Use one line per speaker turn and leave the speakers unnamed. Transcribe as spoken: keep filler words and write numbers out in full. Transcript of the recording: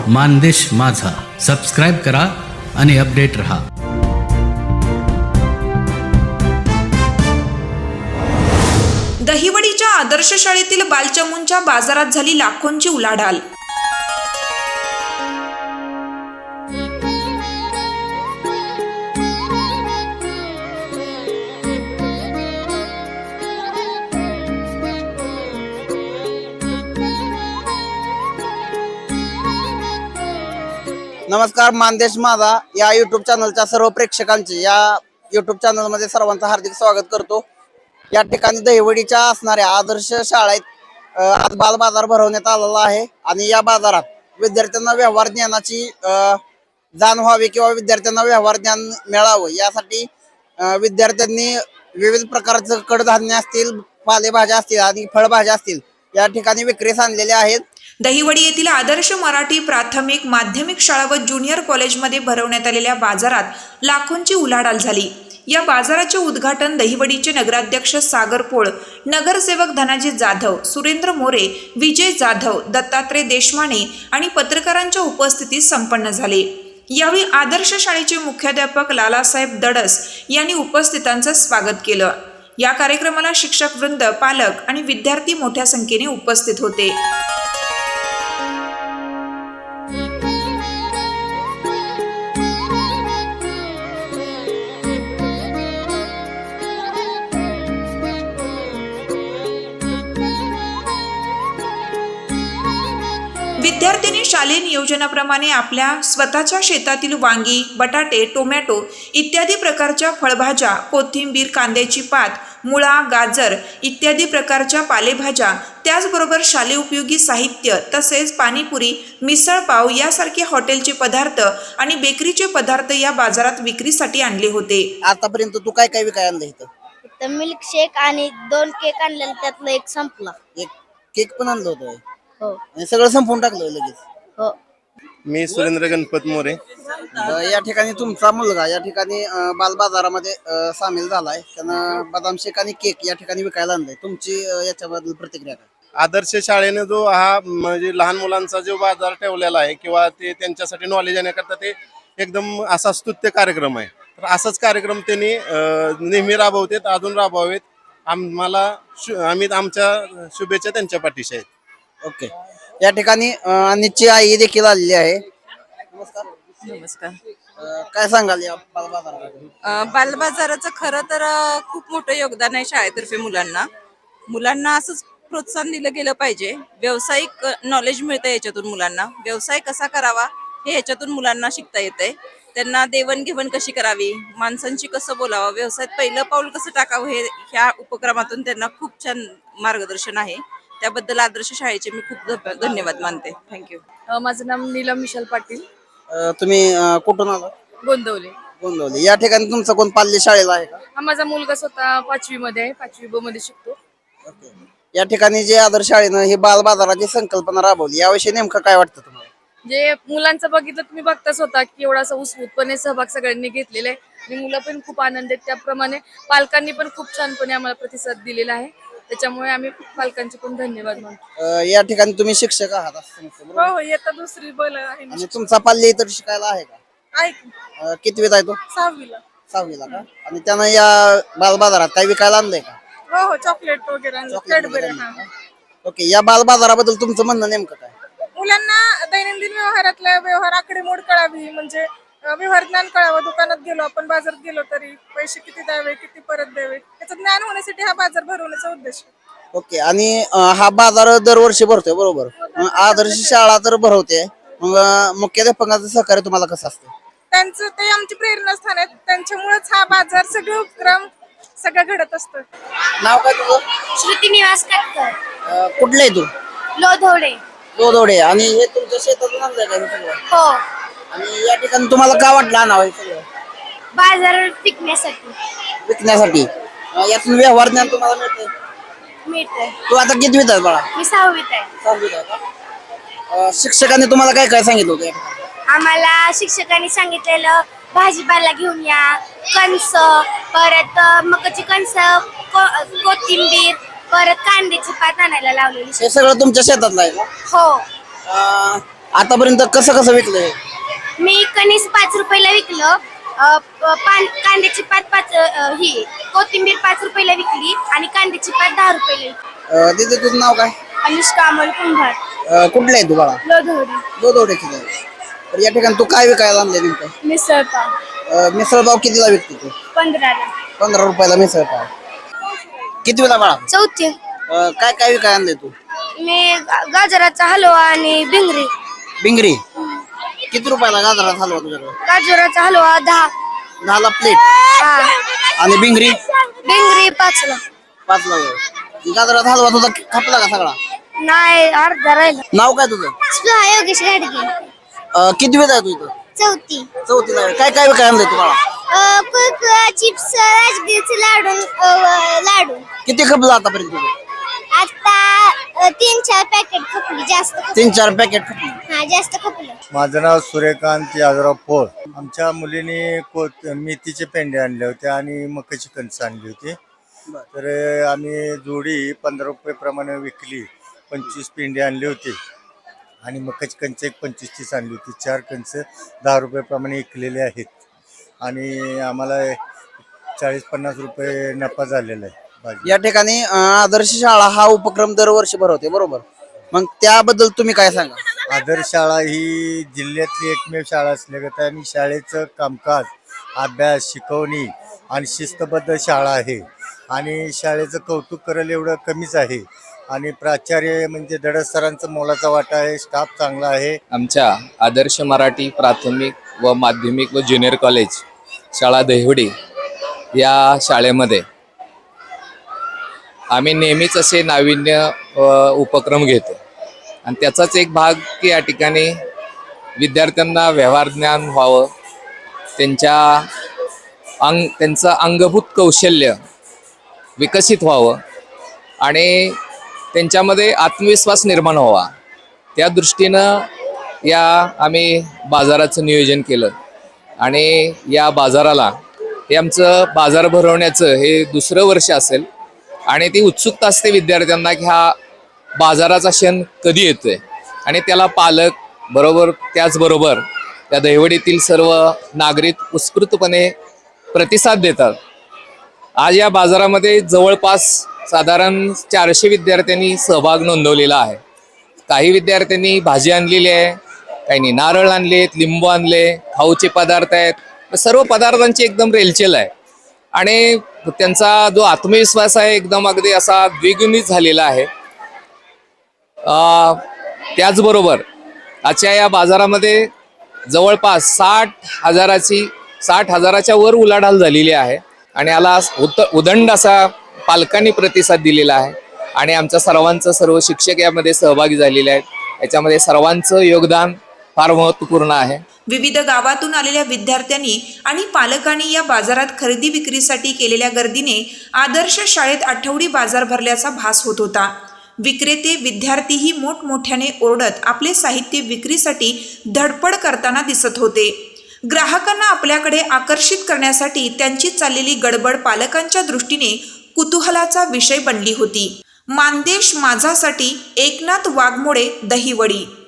मानदेश माझा सबस्क्राईब करा आणि अपडेट रहा.
दहिवडीच्या आदर्श शाळेतील बालचमूंच्या बाजारात झाली लाखोंची उलाढाल.
नमस्कार. मानदेश माझा या युट्यूब चॅनलच्या सर्व प्रेक्षकांचे या युट्यूब चॅनलमध्ये सर्वांचं हार्दिक स्वागत करतो. या ठिकाणी दहिवडीच्या असणाऱ्या आदर्श शाळेत अ, आज बाल बाजार भरवण्यात आलेला आहे आणि या बाजारात विद्यार्थ्यांना व्यवहार ज्ञानाची अ, जाण व्हावी किंवा विद्यार्थ्यांना व्यवहार ज्ञान मिळावं यासाठी अ, विद्यार्थ्यांनी विविध प्रकारचं कडधान्य असतील, पालेभाज्या असतील आणि फळभाज्या असतील या ठिकाणी विक्रीस आणलेल्या आहेत.
दहिवडी येथील आदर्श मराठी प्राथमिक माध्यमिक शाळा व ज्युनियर कॉलेजमध्ये भरवण्यात आलेल्या बाजारात लाखोंची उलाढाल झाली. या बाजाराचे उद्घाटन दहिवडीचे नगराध्यक्ष सागर पोळ, नगरसेवक धनाजी जाधव, सुरेंद्र मोरे, विजय जाधव, दत्तात्रय देशमाने आणि पत्रकारांच्या उपस्थितीत संपन्न झाले. यावेळी आदर्श शाळेचे मुख्याध्यापक लालासाहेब दडस यांनी उपस्थितांचं स्वागत केलं. या कार्यक्रमाला शिक्षक वृंद, पालक आणि विद्यार्थी मोठ्या संख्येने उपस्थित होते. विद्यार्थ्यांनी शालेय नियोजनाप्रमाणे आपल्या स्वतःच्या शेतातील वांगी, बटाटे, टोमॅटो इत्यादी प्रकारच्या फळभाज्या, कोथिंबीर, कांद्याची पात, मुळा, गाजर इत्यादी प्रकारच्या पालेभाज्या, त्याचबरोबर शालेय उपयोगी साहित्य तसेच पाणीपुरी, मिसळपाव यासारखे हॉटेलचे पदार्थ आणि बेकरीचे पदार्थ या बाजारात विक्रीसाठी आणले होते.
आतापर्यंत तू काय काय विकाय आणलं इथं?
इथं मिल्क शेक आणि दोन केक आणलेले, त्यातलं एक संपला.
एक केक पण आणलं होतं
हो
आणि सगळं संपवून टाकलं लगेच.
हो
मी सुरेंद्र गणपत मोरे.
अ, या ठिकाणी तुमचा मुलगा या ठिकाणी अ, बाल बाजारामध्ये अ, सामील झालाय. त्यानं बदाम शेक आणि केक या ठिकाणी विकायला आणलाय. तुमची अ, याच्याबद्दल प्रतिक्रिया काय?
आदर्श शाळेने जो हा म्हणजे लहान मुलांचा जो बाजार ठेवलेला आहे किंवा ते त्यांच्यासाठी नॉलेज येण्याकरता ते एकदम असा स्तुत्य कार्यक्रम आहे. तर असाच कार्यक्रम त्यांनी अ, नेहमी राबवतात, अजून राबवावेत. आम्हाला शु आम्ही आमच्या शुभेच्छा त्यांच्या पाठीशी आहेत.
ओके. या ठिकाणी अ, अनितची आई देखील आलेली आहे. नमस्कार.
नमस्कार.
अ, काय सांगाल या बाल बाजाराबद्दल?
अ, बालबाजाराचं खरं तर अ, खूप मोठं योगदान आहे शाळेतर्फे मुलांना. मुलांना असंच प्रोत्साहन दिलं गेलं पाहिजे. व्यावसायिक नॉलेज मिळतं याच्यातून मुलांना. व्यवसाय कसा करावा हे याच्यातून मुलांना शिकता येतंय. त्यांना देवणघेवण कशी करावी, माणसांशी कसं बोलावं, व्यवसायात पहिलं पाऊल कसं टाकावं हे ह्या उपक्रमातून त्यांना खूप छान मार्गदर्शन आहे. त्याबद्दल आदर्श शाळेचे मी खूप ध- धन्यवाद मानते. थँक्यू.
अ, माझं नाव नीलम विशाल पाटील,
अ, तुम्ही अ, कुठून आला?
गोंदवले.
गोंदवली. या ठिकाणी तुमचा कोण पाल्य शाळेला आहे का?
हा माझा मुलगा स्वतः पाचवी मध्ये आहे, पाचवी ब मध्ये शिकतो.
ओके. या ठिकाणी जे आदर्श शाळेनं ही बाल बाजाराची संकल्पना राबवली याविषयी नेमकं काय वाटतं तुम्हाला?
जे मुलांचं बघितलं तुम्ही बघताच होता की एवढा असा उत्स्फूर्तपणे सहभाग सगळ्यांनी घेतलेला आहे आणि मुलं पण खूप आनंद आहेत. त्याप्रमाणे पालकांनी पण खूप छानपणे आम्हाला प्रतिसाद दिलेला आहे. त्याच्यामुळे आम्ही पालकांचे पण धन्यवाद मानतो.
अ, या ठिकाणी तुम्ही शिक्षक आहात असं समजतं, बरोबर?
हो, येता दुसरी बोल आहे
आणि तुमचा पाल्य इतर शिकायला आहे का? अ, कितवीत आहे तो?
सहावीला.
सहावीला का? आणि त्यानं या बाल बाजारात काही विकायला आणलंय का?
हो हो, चॉकलेट वगैरे
चॉकलेट वगैरे आणलंय का? ओके. या बाल बाजाराबद्दल तुमचं म्हणणं नेमकं काय?
मुलांना दैनंदिन व्यवहारातल्या व्यवहार आकडेमोड कळावी, म्हणजे अ, व्यवहार ज्ञान कळावं. दुकानात गेलो आपण, बाजारात गेलो तरी पैसे किती द्यावे, किती परत द्यावे याचं ज्ञान होण्यासाठी हा बाजार भरवण्याचा उद्देश आहे.
ओके. आणि अ, हा बाजार दरवर्षी भरतोय, बरोबर? मग आदर्श शाळा तर भरवते, मग अ, मुख्याध्यापकाचं सहकार्य तुम्हाला कसं असतं?
त्यांचं ते आमची प्रेरणास्थान आहेत. त्यांच्यामुळेच हा बाजार सगळे उपक्रम सगळं घडत असतं.
नाव काय तुझं?
श्रुती निवास काटकर,
अ, कुठलं आहे तू?
लोधवडे.
दोदोडे. आणि हे तुमच्या शेतातून आणलंय का हे सगळं?
हो,
आणि या ठिकाणी तुम्हाला काय वाटलं आणावं हे सगळं
बाजार टिकण्यासाठी
विकण्यासाठी? अ, यातून व्यवहार ज्ञान तुम्हाला मिळतंय?
मिळतंय.
तू आता कितवीत आहे बाळा?
मी सहावीत आहे.
सहावीत आहे का? अ, शिक्षकांनी तुम्हाला काय काय सांगितलं होतं या ठिकाणी?
आम्हाला शिक्षकांनी सांगितलेलं भाजीपाला घेऊन या, कणस, परत मकाची कणस, को- कोथिंबीर, परत कांद्याची पात आणायला लावलेली.
हे सगळं तुमच्या शेतातलं आहे का?
हो.
अं, आतापर्यंत कसं कसं विकलंय?
मी कणीस पाच रुपयाला विकलं. अ, प- पान कांद्याची पात पाच अ, ही कोथिंबीर पाच रुपयाला विकली आणि कांद्याची पात दहा रुपयाला विकली.
अं, दीदी तुझं नाव काय?
अनुष्का अमोल कुंभार,
अं, कुठलं आहे तू बाळा?
लोधवडी.
दोदोड्याची आहे. तर या ठिकाणी तू काय विकायला आणले नेमकं?
मिसळपाव
अं, मिसळपाव कितीला विकते तू?
पंधराला.
पंधरा रुपयाला मिसळपाव. किती वेळा बाळा?
चौथी.
अं, काय काय विकायला आणले तू?
मी गा- गाजराचा हलवा आणि भिंगरी.
बिंगरी किती रुपयाला गाजरात हलवा तुझ्याकडे?
गाजराचा हलवा दहा.
दहाला प्लेट.
हा.
आणि बिंगरी
भिंगरी पाचला.
पाचला. गाजरात हलवा तुझा खपला का सगळा?
नाही, अर्धा राहिला.
नाव काय तुझं?
स्पृहा योगेश गाडगे.
अं, किती वेळ आहे तू इथं?
चौथी.
चौथीला आहे. काय काय विकायला आणले तुम्हाला?
कुरकुरा, चिप्स, राजगिरीचे लाडू, अ, लाडू.
किती खपलं आतापर्यंत तुझं?
आता अ, तीन चार पॅकेट खपली. जास्त खपली.
तीन चार पॅकेट खपली.
हा, जास्त खपलं.
माझं नाव सूर्यकांत यादवराव पोळ. आमच्या मुलीने कोत मेथीचे पेंडे आणले होते आणि मकाची कणस आणली होती. तर आम्ही जोडी पंधरा रुपये प्रमाणे विकली. पंचवीस पेंडे आणले होते आणि मकाची कणस एक पंचवीस तीस आणली होती. चार कणस दहा रुपये प्रमाणे विकलेले आहेत आणि आम्हाला चाळीस पन्नास रुपये नफा झालेला आहे. भाजी
या ठिकाणी अं, आदर्श शाळा हा उपक्रम दरवर्षी भरवते बरोबर. मग त्याबद्दल तुम्ही काय सांगा?
आदर्श शाळा ही जिल्ह्यातली एकमेव शाळा असल्यागत आणि शाळेचं कामकाज, अभ्यास, शिकवणी आणि शिस्तबद्ध शाळा आहे आणि शाळेचं कौतुक करेल एवढं कमीच आहे आणि प्राचार्य म्हणजे दडस सरांचा मोलाचा वाटा आहे. स्टाफ चांगला आहे.
आमच्या आदर्श मराठी प्राथमिक व माध्यमिक व ज्युनियर कॉलेज शाळा दहिवडी या शाळेमध्ये आम्ही नेहमीच असे नाविन्य अ, उपक्रम घेतो आणि त्याचाच एक भाग की या ठिकाणी विद्यार्थ्यांना व्यवहार ज्ञान व्हावं, त्यांच्या अंग त्यांचं अंगभूत कौशल्य विकसित व्हावं आणि त्यांच्यामध्ये आत्मविश्वास निर्माण व्हावा, त्या दृष्टीनं या आम्ही बाजाराचं नियोजन केलं आणि या बाजाराला हे आमचं बाजार भरवण्याचं हे दुसरं वर्ष असेल आणि ती उत्सुकता असते विद्यार्थ्यांना की हा बाजाराचा क्षण कधी येतोय आणि त्याला पालक बरोबर त्याचबरोबर त्या दहिवडीतील सर्व नागरिक उत्स्फूर्तपणे प्रतिसाद देतात. आज या बाजारामध्ये जवळपास साधारण चारशे विद्यार्थ्यांनी सहभाग नोंदवलेला आहे. काही विद्यार्थ्यांनी भाजी आणलेली आहे, काहींनी नारळ आणले आहेत, लिंबू आणले, खाऊचे पदार्थ आहेत. सर्व पदार्थांची एकदम रेलचेल आहे आणि त्यांचा जो आत्मविश्वास आहे एकदम अगदी असा द्विगुणित झालेला आहे. अ, त्याचबरोबर आजच्या या बाजारामध्ये जवळपास साठ हजाराची साठ हजाराच्या वर उलाढाल झालेली आहे आणि याला उत उदंड असा पालकांनी प्रतिसाद दिलेला आहे आणि आमच्या सर्वांचं सर्व शिक्षक यामध्ये सहभागी झालेले आहेत. याच्यामध्ये सर्वांचं योगदान फार महत्त्वपूर्ण आहे.
विविध गावातून आलेल्या विद्यार्थ्यांनी आणि पालकांनी या बाजारात खरेदी विक्रीसाठी केलेल्या गर्दीने आदर्श शाळेत आठवडी बाजार भरल्याचा भास होत होता. विक्रेते विद्यार्थीही मोठमोठ्याने ओरडत आपले साहित्य विक्रीसाठी धडपड करताना दिसत होते. ग्राहकांना आपल्याकडे आकर्षित करण्यासाठी त्यांची चाललेली गडबड पालकांच्या दृष्टीने कुतूहलाचा विषय बनली होती. मानदेश माझासाठी एकनाथ वाघमोडे, दहिवडी.